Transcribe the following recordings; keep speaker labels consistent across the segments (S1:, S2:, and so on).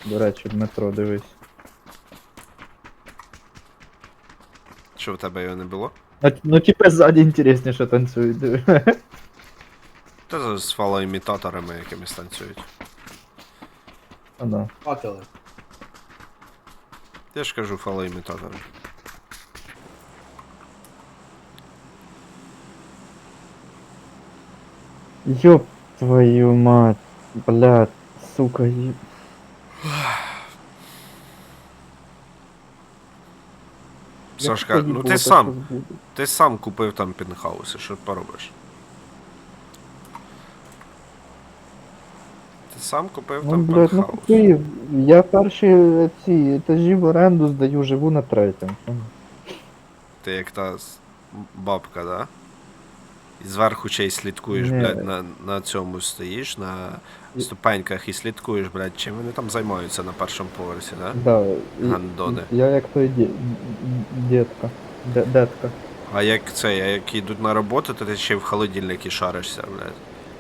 S1: До речі, Дмитро, дивись.
S2: Що в тебе його не було?
S1: Ну типа ззаді інтересніше танцюють, диви.
S2: Та з фалоімітаторами якимись танцюють.
S1: А, да.
S3: Факели.
S2: Я ж кажу фалоімітатори.
S1: Ёб твою мать, блядь, сука, ёб...
S2: Сашка, ну ти сам купив там пентхауси, що поробиш? Ти сам купив
S1: Ну,
S2: там
S1: блядь, ну
S2: пентхаус.
S1: купив. Я перші ці етажі в оренду здаю, живу на третьому.
S2: Ти як та бабка, да? І зверху ще й слідкуєш,
S1: Ні.
S2: блядь, на цьому стоїш, на ступеньках і слідкуєш, блядь, чим вони там займаються на першому поверсі, да?
S1: Да,
S2: Гандони.
S1: я як той дітка. Детка.
S2: А як йдуть на роботу, то ти ще й в холодильнику шаришся, блядь.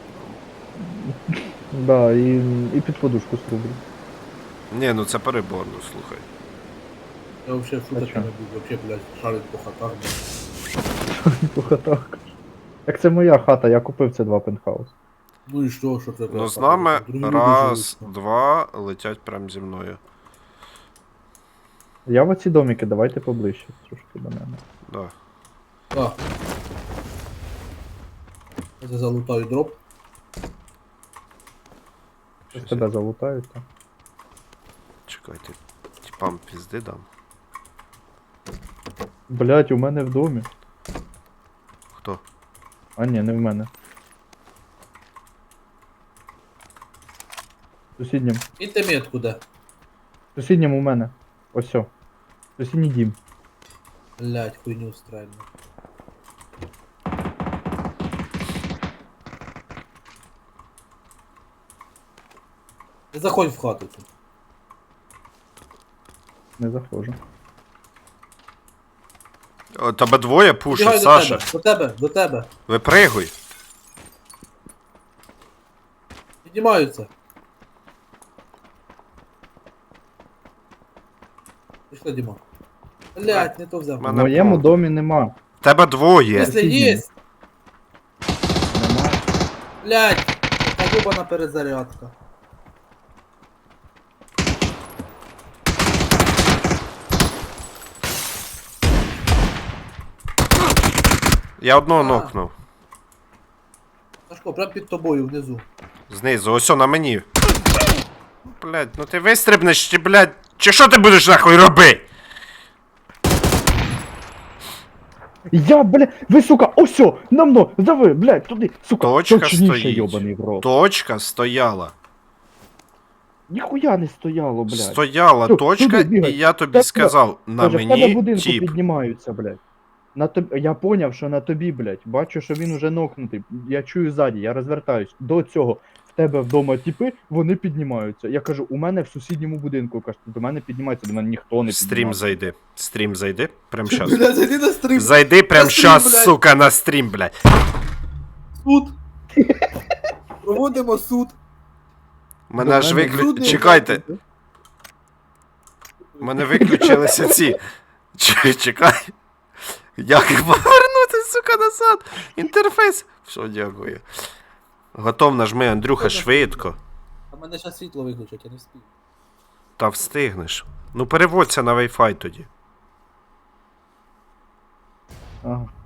S1: Да, і під подушку струблю.
S2: Ні, ну це перебор, ну слухай.
S3: Я вообще в шутах
S1: А чо?
S3: не був, вообще, блядь, шарить по хатах.
S1: По хатах. Як це моя хата, я купив ці два пентхаус.
S3: Ну і що це?
S2: Ну з нами раз, два летять прям зі мною.
S1: Я в оці домики, давайте поближче трошки до мене.
S2: Да.
S3: А. Я залутаю дроп.
S1: Щось тебе залутають, так?
S2: Чекайте, типам пізди дам.
S1: Блять, у мене в домі.
S2: Хто?
S1: А ні, не в мене. В сусіднім.
S3: І ти метку де?
S1: В сусіднім у мене. Ось о. Сусідній дім.
S3: Блядь, хуйню стрельну. Не заходь в хату тут.
S1: Не заходжу.
S2: О, тебе двоє пушать,
S3: Бігай
S2: Саша.
S3: до тебе, до тебе.
S2: Випригуй.
S3: Піднімаються. Пішли, Діма. Блядь, не то взяв.
S1: В
S2: Мене
S1: моєму
S2: правда.
S1: домі нема.
S2: Тебе двоє.
S3: Якщо
S1: Сусідній.
S3: є,
S1: Нема.
S3: блядь, така ёбана перезарядка.
S2: Я одного
S3: А.
S2: нокнув.
S3: Сашко, прям під тобою внизу.
S2: Знизу, ось на мені. Блядь, ну ти вистрибнеш, чи, блядь, чи що ти будеш нахуй робити?
S1: Я, бля, ви, сука, осьо, на мно, дави, блядь, туди, сука,
S2: Точка
S1: точніше,
S2: стоїть.
S1: йобаний в рот.
S2: Точка стояла.
S1: Ніхуя не стояло, блядь.
S2: Стояла
S1: Всё,
S2: точка,
S1: туди бігай.
S2: і я тобі
S1: Тебе-
S2: сказав, на
S1: Каже, в тебе
S2: мені
S1: будинку
S2: тіп.
S1: піднімаються, блядь. На тобі, я поняв, що на тобі, блядь. Бачу, що він уже нокнутий. Я чую ззаді, я розвертаюсь. До цього. В тебе вдома тіпи, вони піднімаються. Я кажу, у мене в сусідньому будинку, кажу, до мене піднімаються, до мене ніхто не
S2: Стрім
S1: піднімається.
S2: зайди. Стрім зайди. Прям щас.
S3: Блядь, зайди на стрім.
S2: Зайди прям
S3: На стрім,
S2: щас,
S3: блядь.
S2: сука, на стрім, блядь.
S3: Суд. Проводимо суд.
S2: Мене
S1: До
S2: аж
S1: мене
S3: люди,
S2: Чекайте. У мене виключилися ці. Чекай. Як повернути, сука, назад? Інтерфейс. Все, дякую. Готов, нажми, Андрюха, швидко.
S3: А мене зараз світло виключать, я не встиг.
S2: Та встигнеш. Ну переводься на Wi-Fi тоді.
S1: Ага.